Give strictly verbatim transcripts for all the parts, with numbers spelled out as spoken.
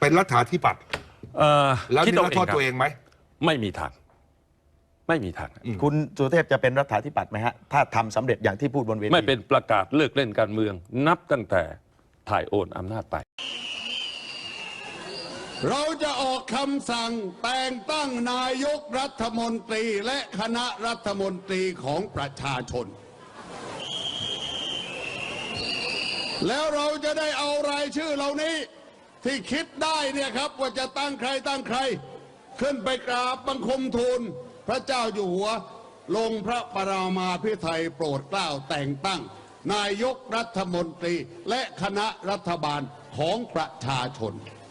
เป็นรัฐาธิปัตย์แล้วนี่เราโทษตัวเองไหมไม่มีทางไม่มีทางคุณสุเทพจะเป็นรัฐาธิปัตย์ไหมฮะถ้าทำสำเร็จอย่างที่พูดบนเวทีไม่เป็นประกาศเลิกเล่นการเมืองนับตั้งแต่ถ่ายโอนอำนาจไปเราจะออกคำสั่งแต่งตั้งนายกรัฐมนตรีและคณะรัฐมนตรีของประชาชนแล้วเราจะได้เอารายชื่อเหล่านี้ที่คิดได้เนี่ยครับว่าจะตั้งใครตั้งใครขึ้นไปกราบบังคมทูลพระเจ้าอยู่หัวลงพระปรามาภิไธยโปรดเกล้าแต่งตั้งนายกรัฐมนตรีและคณะรัฐบาลของประชาชน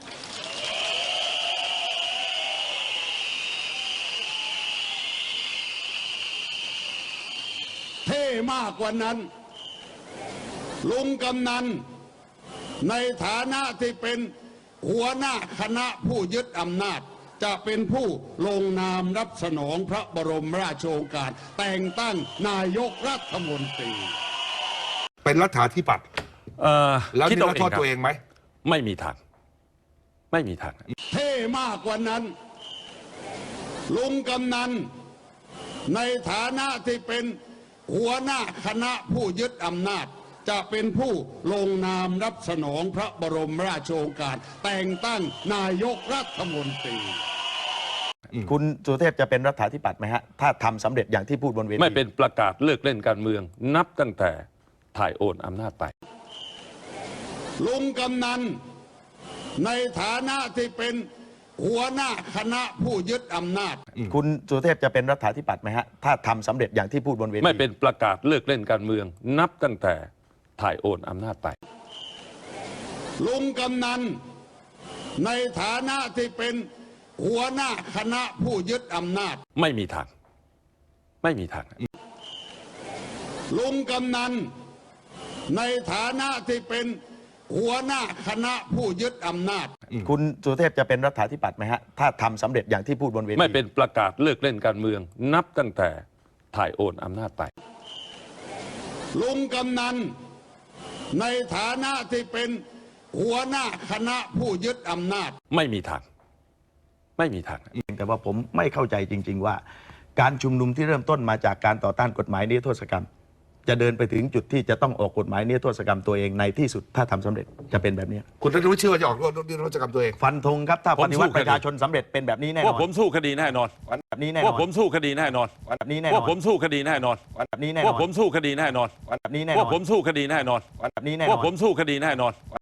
เท่มากกว่านั้นลุงกำนันในฐานะที่เป็นหัวหน้าคณะผู้ยึดอำนาจจะเป็นผู้ลงนามรับสนองพระบรมราชโองการแต่งตั้งนายกรัฐมนตรีเป็นรัฐาธิปัตย์แล้วนี่เราโทษตัวเองไหมไม่มีทางไม่มีทางเท่มากกว่านั้นลุงกำนันในฐานะที่เป็นหัวหน้าคณะผู้ยึดอำนาจจะเป็นผู้ลงนามรับสนองพระบรมราชโองการแต่งตั้งนายกรัฐมนตรีคุณสุเทพจะเป็นรัฐาธิปัตย์ไหมฮะถ้าทำสำเร็จอย่างที่พูดบนเวทีไม่เป็นประกาศเลิกเล่นการเมืองนับตั้งแต่ถ่ายโอนอำนาจไปลุงกำนันในฐานะที่เป็นหัวหน้าคณะผู้ยึดอำนาจคุณสุเทพจะเป็นรัฐาธิปัตย์ไหมฮะถ้าทำสำเร็จอย่างที่พูดบนเวทีไม่เป็นประกาศเลิกเล่นการเมืองนับตั้งแต่ถ่ายโอนอำนาจไปลุงกำนันในฐานะที่เป็นหัวหน้าคณะผู้ยึดอำนาจไม่มีทางไม่มีทางลุงกำนันในฐานะที่เป็นหัวหน้าคณะผู้ยึดอำนาจคุณสุเทพจะเป็นรัฐาธิปัตย์ไหมฮะถ้าทำสำเร็จอย่างที่พูดบนเวทีไม่เป็นประกาศเลิกเล่นการเมืองนับตั้งแต่ถ่ายโอนอำนาจไปลุงกำนันในฐานะที่เป็นหัวหน้าคณะผู้ยึดอำนาจไม่มีทางไม่มีทางแต่ว่าผมไม่เข้าใจจริงๆว่าการชุมนุมที่เริ่มต้นมาจากการต่อต้านกฎหมายนิรโทษกรรมจะเดินไปถึงจุดที่จะต้องออกกฎหมายนิรโทษกรรมตัวเองในที่สุดถ้าทำสำเร็จจะเป็นแบบนี้คุณท่านรู้เชื่อว่าจะออกนิรโทษกรรมตัวเองฟันธงครับถ้าปฏิวัติประชาชนสำเร็จเป็นแบบนี้แน่นอนว่าผมสู้คดีแน่นอนแบบนี้แน่นอนว่าผมสู้คดีแน่นอนแบบนี้แน่นอนว่าผมสู้คดีแน่นอนแบบนี้แน่นอนว่าผมสู้คดีแน่นอนแบบนี้แน่นอนว่าผมสู้คดีแน่นอนแบบนี้แน่นอนว่าผมสู้คดีแน่นอน